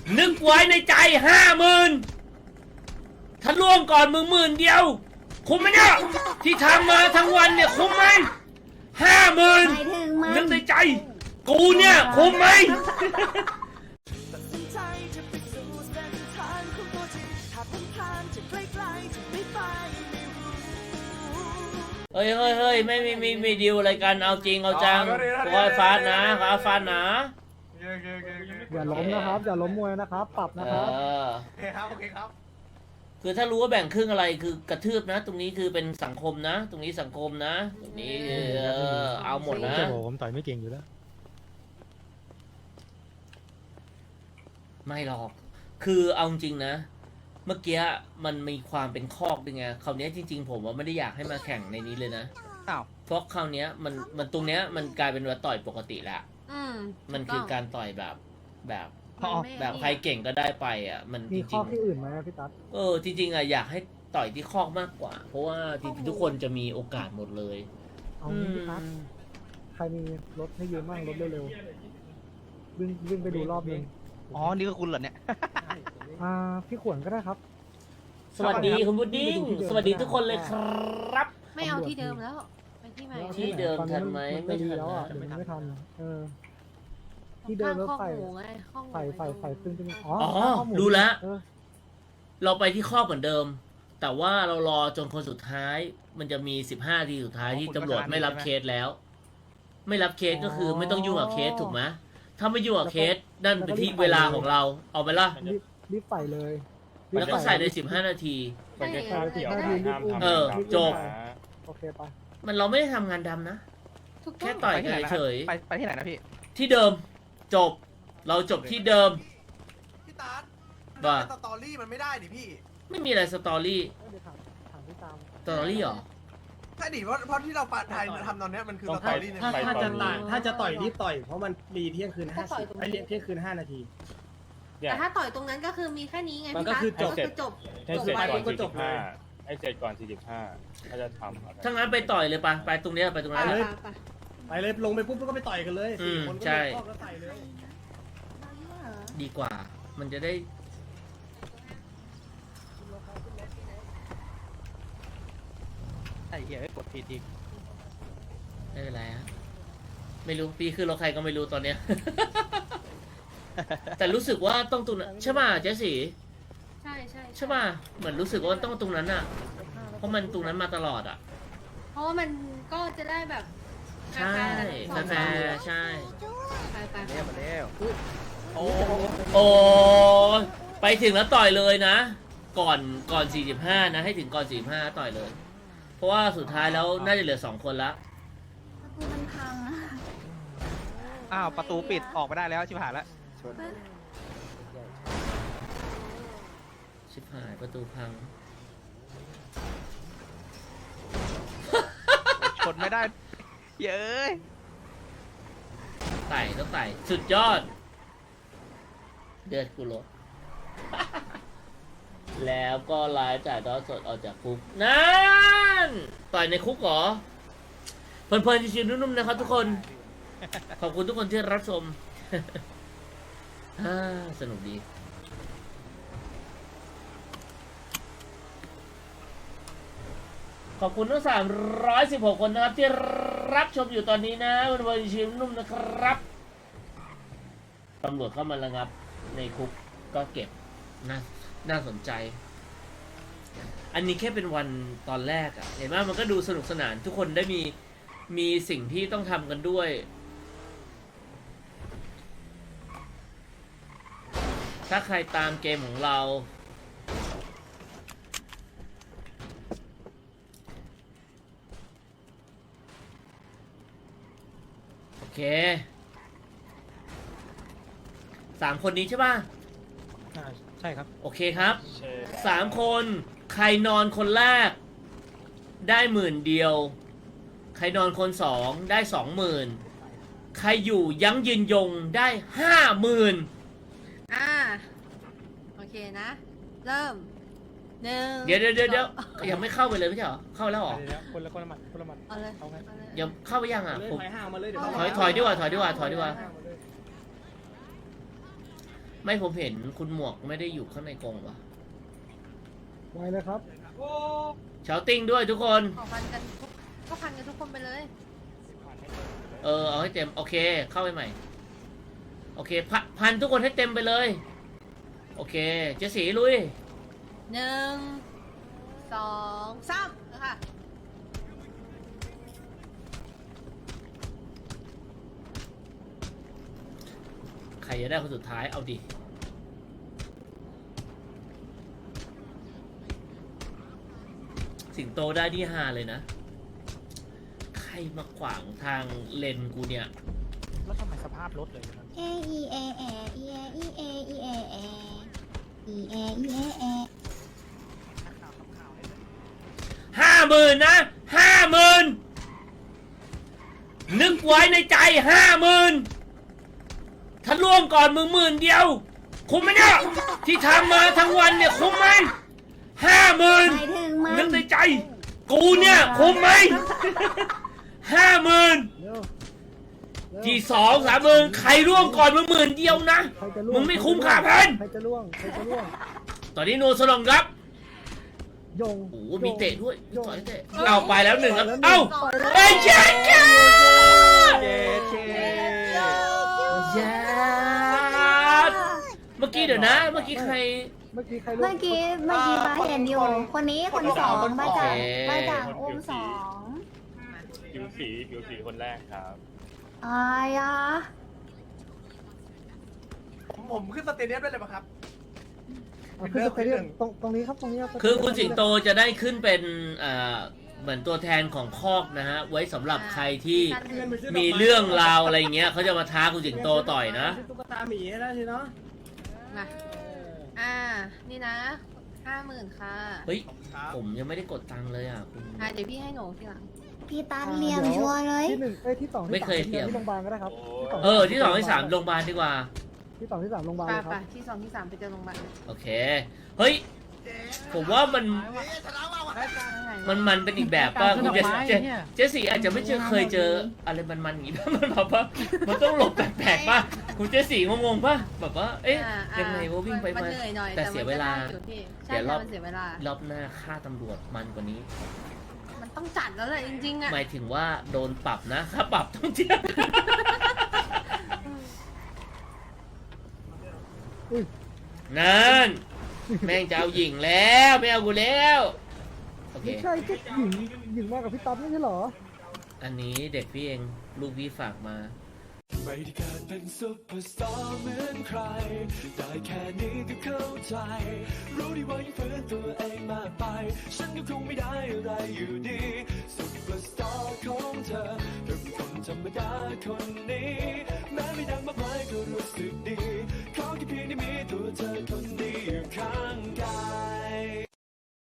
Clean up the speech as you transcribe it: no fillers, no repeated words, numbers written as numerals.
นึกไว้ในใจ50,000ถ้าล่วงก่อนมึง10,000เดียวคุ้มไหมเนี่ยที่ทำมาทั้งวันเนี่ยคุ้มไหม50,000นึกในใจกูเนี่ยคุ้มไหมเฮ้ยไม่ดีลอะไรกันเอาจริงเอาจังขอฟาดนะขอฟาดนะอย่าล้มนะครับอย่าล้มมวยนะครับปรับนะครับโอเคครับคือถ้ารู้ว่าแบ่งครึ่งอะไรคือกระทืบนะตรงนี้คือเป็นสังคมนะตรงนี้สังคมนะตรงนี้เอาหมดนะผมต่อยไม่เก่งอยู่แล้วไม่หรอกคือเอาจริงนะเมื่อกี้มันมีความเป็นคอกด้วยไงคราวนี้จริงๆผมว่าไม่ได้อยากให้มาแข่งในนี้เลยนะเพราะคราวนี้มันตรงเนี้ยมันกลายเป็นว่าต่อยปกติแล้วมันคือการต่อยแบบใครเก่งก็ได้ไปอ่ะมันมีข้อที่อื่นไหมพี่ตั๊ดจริงๆอ่ะอยากให้ต่อยที่คอกมากกว่าเพราะว่าจริงๆทุกคนจะมีโอกาสหมดเลยเอางี้พี่ตั๊ดใครมีรถให้ยืมบ้างรถเร็วๆวิ่งไปดูรอบนึงอ๋อนี่ก็คุณเหรอเนี่ยพี่ขวนก็ได้ครับสวัสดีคุณพุดดิ้งสวัสดีทุกคนเลยครับไม่เอาที่เดิมแล้วไปที่ใหม่ที่เดิมทันไหมไม่ทันแล้วไม่ทันที่เดิมแล้วใส่ซึ่งรู้แล้วเราไปที่ข้อเหมือนเดิมแต่ว่าเรารอจนคนสุดท้ายมันจะมี15 ทีสุดท้ายที่ตำรวจไม่รับเคสแล้วไม่รับเคสก็คือไม่ต้องยุ่งกับเคสถูกไหมถ้าไม่ยุ่งกับเคสนั่นเป็นที่เวลาของเราเอาไปละรีบใส่เลยแล้วก็ใส่ใน15 นาทีจบโอเคปะมันเราไม่ได้ทำงานดำนะแค่ต่อยเฉยไปที่ไหนนะพี่ที่เดิมจบเราจบที่เดิมพี่ตาร์ว่าสตอรี่มันไม่ได้ดิพี่ไม่มีอะไรสตอรี่สตอรี่หรอใช่ดิเพราะที่เราปะไทยทำตอนนี้มันคือสตอรี่เนี่ยถ้าจะต่อยรีบต่อยเพราะมันมีเที่ยงคืน50ไอเที่ยงคืน5 นาทีแต่ถ้าต่อยตรงนั้นก็คือมีแค่นี้ไงมันก็คือจบให้เสร็จก่อน45ให้เสร็จก่อน45ถ้าจะทำถ้างั้นไปต่อยเลยไปตรงนี้ไปตรงนั้นเลยไปเลยลงไปปุ๊บก็ไปต่อยกันเลย4 คนก็ใส่เลยดีกว่ามันจะได้ไอ้เหี้ยกดผิดอีกไม่เป็นไรฮะไม่รู้ปีขึ้นรถใครก็ไม่รู้ตอนเนี้ยแต่รู้สึกว่าต้องตรงนั้นใช่ป่ะเจสี่ใช่ป่ะเหมือนรู้สึกว่าต้องตรงนั้นอ่ะเพราะมันตรงนั้นมาตลอดอ่ะเพราะมันก็จะได้แบบใช่กาแฟใช่ไปมาแล้วโอ้ไปถึงแล้วต่อยเลยนะก่อน45นะให้ถึงก่อน45ต่อยเลยเพราะว่าสุดท้ายแล้วน่าจะเหลือ2 คนละประตูมันพังประตูปิดออกไม่ได้แล้วชิบหายแล้วชิบหายประตูพังชนไม่ได้เย้ยต้องไต่สุดยอดเดือดกูลดแล้วก็ไลฟ์จ่ายทอดสดออกจากคุกนั่นต่อยในคุกเหรอเพลินๆชิวๆนุ่มๆนะครับทุกคนขอบคุณทุกคนที่รับชมสนุกดีขอบคุณทั้ง316 คนนะครับที่รับชมอยู่ตอนนี้นะวันชิวนุ่มนะครับตำรวจเข้ามาระงับในคุกก็เก็บน่าสนใจอันนี้แค่เป็นวันตอนแรกอะเห็นไหมมันก็ดูสนุกสนานทุกคนได้มีสิ่งที่ต้องทำกันด้วยถ้าใครตามเกมของเราโอเค3 คนนี้ใช่ป่ะใช่ครับโอเคครับ3 คนใครนอนคนแรกได้10,000 เดียวใครนอนคน2ได้20,000ใครอยู่ยั้งยืนยงได้50,000 โอเคนะเริ่ม1 เดี๋ยวยังไม่เข้าไปเลยไม่ใช่เหรอเข้าแล้วเหรอคนละหมัดเอาเลยยังเข้าไปยังอ่ะผมถอยห่างมาเลยเดี๋ยวถอยดีกว่าไม่ผมเห็นคุณหมวกไม่ได้อยู่ข้างในกรงวะไวเลยครับเชาติ้งด้วยทุกคนขอพันกันทุกก็พันกันทุกคนไปเลยเอาให้เต็มโอเคเข้าไปใหม่โอเคพันทุกคนให้เต็มไปเลยโอเคเจสีลุย 1 2 3ค่ะใครจะได้คนสุดท้ายเอาดิสิงโตได้ที่5เลยนะใครมาขวางทางเลนกูเนี่ยแล้วทำไมสภาพรถเลยนะครับเออีเอเออีเออีเออีเอเออีเออีเอเอ 50,000นะ50,000นึกไว้ในใจ50,000ถ้าล่วงก่อนมึง10,000เดียวคุ้มไหมเนี่ยที่ทำมาทั้งวันเนี่ยคุ้มไหมหมาย 50,000 ถึงมันนึกในใจ กูเนี่ยคุ้มไหม50,000 เร็วเร็วที่2-3,000ใครร่วงก่อนมึง10,000เดียวนะใครจะล่วมึงไม่คุ้มค่าพันใครจะล่วงใครจะล่วงตอนนี้โนสลองครับยงโอ้โหมีเตะด้วยมียงต่อยเตะเอาไปแล้ว1ครับไปแล้วเอ้าไปแล้วเอ้ยเจ๊เจ๊เย้เชเย้เมื่อกี้เดี๋ยวนะ เมื่อกี้ใครเมื่อกี้ใครล่วงเมื่อกี้มาเห็นอยู่ คนนี้คนสองมาจากมาจากอุ้มสองผิวสีคนแรกครับอายะผมขึ้นสเตเดียมได้เลยปะครับอ่ะขึ้นสเตเดียมตรงนี้ครับตรงนี้รับคือคุณสิงโตจะได้ขึ้นเป็นเหมือนตัวแทนของคอกนะฮะ ไว้สำหรับใครที่มีเรื่องราวอะไรเงี้ยเขาจะมาท้าคุณสิงโตต่อยนะตุ๊กตาหมีได้สิเนาะมานี่นะ 50,000ค่ะเฮ้ย ผมยังไม่ได้กดตังค์เลยอ่ะคุณเดี๋ยวพี่ให้หนูทีหลังพี่ตันเหลี่ยมชัวร์เลยที่หนึ่งที่สองไม่เคยเทียบที่โรงพยาบาลก็ได้ครับที่2ที่3โรงพยาบาลดีกว่าที่2ที่3โรงพยาบาลไปเลยคไปรับที่ 2 ที่ 3 ไปเจอโรงพยาบาลโอเค เฮ้ย ผมว่ามันเป็นอีกแบบป่ะคุณเจสซี่อาจจะไม่เคยเจออะไรมันๆอย่างนี้ป่ะมันแบบว่ามันต้องหลบแปลกๆป่ะคุณเจสซี่งงๆป่ะแบบว่าเอ๊ะยังไงว่าวิ่งไปมันมาเหนื่อยหน่อยแต่เสียเวลาอยู่พี่เดี๋ใช่ยวรอบมันเสียเวลารอบหน้าค่าตำรวจมันกว่านี้มันต้องจัดแล้วแหละจริงๆอ่ะหมายถึงว่าโดนปรับนะค่าปรับต้องเทียบอุ้ยนั่นแม่งจะเอาหญิงแล้วไม่เอากูแล้วโอเคไม่ใช่ก็หญิงมากับพี่ต๊อบไม่ใช่เหรออันนี้เด็กพี่เองลูกพี่ฝากมาไม่ได้เกิดเป็นซุปเปอร์สตาร์เหมือนใคร ได้แค่นี้ก็เข้าใจ รู้ดีว่ายังฝืนตัวเองมากไป ฉันก็คงไม่ได้อะไรอยู่ดีซุปเปอร์สตาร์ของเธอเธอเป็นคนธรรมดาคนนี้ แม้ไม่ดังมากมายก็รู้สึกดี